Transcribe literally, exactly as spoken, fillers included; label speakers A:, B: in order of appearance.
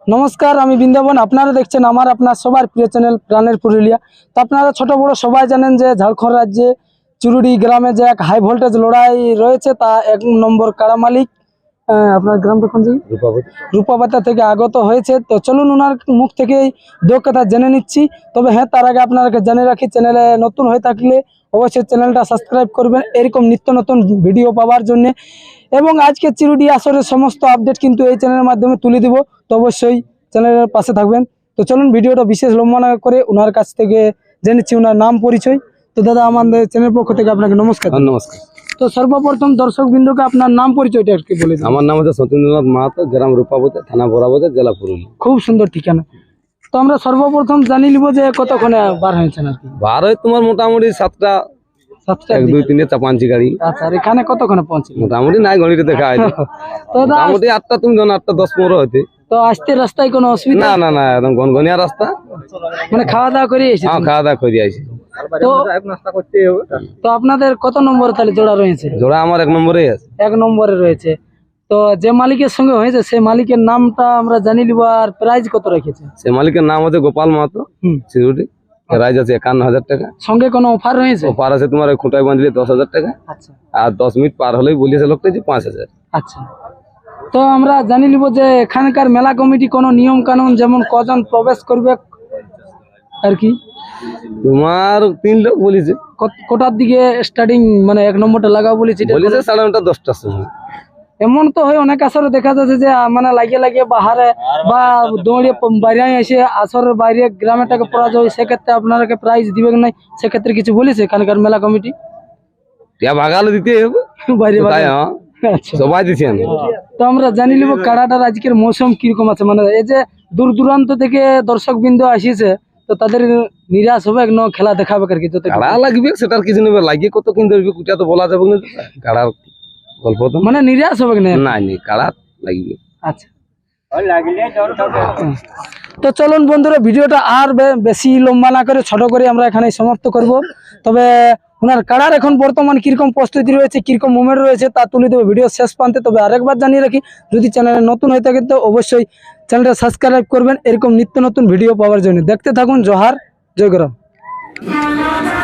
A: নমস্কার, আমি বৃন্দাবন। আপনারা দেখছেন আমার আপনার সবার প্রিয় চ্যানেল প্রাণের পুরুলিয়া। তো আপনারা ছোট বড় সবাই জানেন যে ঝাড়খণ্ড রাজ্যে চুরুডি গ্রামে যে এক হাই ভোল্টেজ লড়াই রয়েছে, তা এক নম্বর কারা মালিক আপনার গ্রামটা কোন জায়গায় রূপাবাতা থেকে আগত হয়েছে। তো চলুন ওনার মুখ থেকেই দু কথা জেনে নিচ্ছি। তবে হ্যাঁ, তার আগে আপনাকে জেনে রাখি, চ্যানেলে নতুন হয়ে থাকলে অবশ্যই চ্যানেলটা সাবস্ক্রাইব করবেন এরকম নিত্য নতুন ভিডিও পাওয়ার জন্য। এবং আজকে চিরুডি আসরের সমস্ত আপডেট কিন্তু এই চ্যানেলের মাধ্যমে তুলে দিব, তো অবশ্যই চ্যানেলের পাশে থাকবেন। তো চলুন ভিডিওটা বিশেষ লম্বা না করে ওনার কাছ থেকে জেনেছি ওনার নাম পরিচয়। তো দাদা, আমাদের চ্যানেল পক্ষ থেকে আপনাকে নমস্কার।
B: নমস্কার।
A: তো সর্বপ্রথম দর্শক বিন্দুকে আপনার নাম পরিচয়টা একটু বলে দিন।
B: আমার নাম হচ্ছে সতীন্দ্রনাথ মাহাতো, গ্রাম রূপাবতী, থানা বরাবাজার, জেলা পুরুলিয়া।
A: খুব সুন্দর ঠিকানা। তো আমরা সর্বপ্রথম জানি নিব যে কতক্ষণে বার হয়েছেন আর কি।
B: বার হয় তোমার মোটামুটি সাতটা
A: সাতটা
B: এক দুই তিনটে চাপাঞ্চি গাড়ি।
A: আচ্ছা, আর এখানে কতক্ষণে পৌঁছে?
B: মোটামুটি নাই ঘড়িতে দেখা হয়
A: তো দাদা,
B: মোটামুটি আটটা, তুমি জানো আটটা দশ পনেরো হইতে।
A: তো আসতে রাস্তায় কোনো অসুবিধা?
B: না না না, একদম গনগনিয়া রাস্তা।
A: মানে খাওয়া দাওয়া করে এসেছেন?
B: হ্যাঁ, খাওয়া দাওয়া করে আইছি।
A: তো তো আপনাদের কত নম্বর তাহলে জোড়া রয়েছে?
B: জোড়া আমার এক নম্বরে আছে।
A: এক নম্বরে রয়েছে। তো যে মালিকের সঙ্গে হয়েছে সেই মালিকের নামটা আমরা জানি নিব, আর প্রাইস কত রেখেছে?
B: সে মালিকের নাম হচ্ছে গোপাল মাহাতো, সিউড়ি। রাইজ আছে একান্ন হাজার টাকা।
A: সঙ্গে কোনো অফার রয়েছে?
B: অফার আছে তোমার খুঁটায় বাঁধলে দশ হাজার টাকা।
A: আচ্ছা।
B: আর দশ মিনিট পার হলেই বলিয়েছে লোকটা যে পাঁচ হাজার।
A: আচ্ছা, তো আমরা জানি নিব যে এখানকার মেলা কমিটি কোনো নিয়ম কানুন, যেমন কজন প্রবেশ করবে আর কি?
B: তোমার তিন লোক বলেছে।
A: কোটার দিকে স্টার্টিং, মানে এক নম্বরটা লাগাও বলেছে?
B: বলেছে সাড়ে নটা দশটার সময়।
A: এমন তো হয় অনেক আসরে দেখা যাচ্ছে যে মানে লাগিয়ে লাগিয়ে বাহারে বা দৌড়িয়ে বাইরে এসে আসরের বাইরে গ্রামের টাকা পরাজয় হয়, সেক্ষেত্রে আপনাকে প্রাইজ দিবে নাই? সেক্ষেত্রে কিছু বলেছে এখানকার মেলা কমিটি?
B: ভাগালে দিতে হবে
A: বাইরে
B: আচ্ছা, সবাই দিচ্ছেন।
A: তো আমরা জানি নিব কাড়াটার আজকের মৌসুম কিরকম আছে। মানে এই যে দূর দূরান্ত থেকে দর্শক বিন্দু আসিছে, তো তাদের নিরাশ হবে না খেলা দেখাবে আর কি?
B: কাড়া লাগবে সেটার কিছু নেবে, লাগিয়ে কত কিনতে হবে কুটা তো বলা যাবে না। কাড়ার গল্প তো
A: মানে নিরাশ হবে না?
B: না, কাড়া লাগবে।
A: আচ্ছা, তো চলুন বন্ধুরা, ভিডিওটা আর বেশি লম্বা না করে ছোট করে আমরা এখানে সমাপ্ত করব। তবে ওনার কাড়ার এখন বর্তমান কিরকম প্রস্তুতি রয়েছে, কিরকম মুভমেন্ট রয়েছে তা তুলে দেবো ভিডিও শেষ প্রান্তে। তবে আরেকবার জানিয়ে রাখি, যদি চ্যানেলে নতুন হয়ে থাকেন তো অবশ্যই চ্যানেলটা সাবস্ক্রাইব করবেন এরকম নিত্য নতুন ভিডিও পাওয়ার জন্য। দেখতে থাকুন। জোহার, জয় গরম।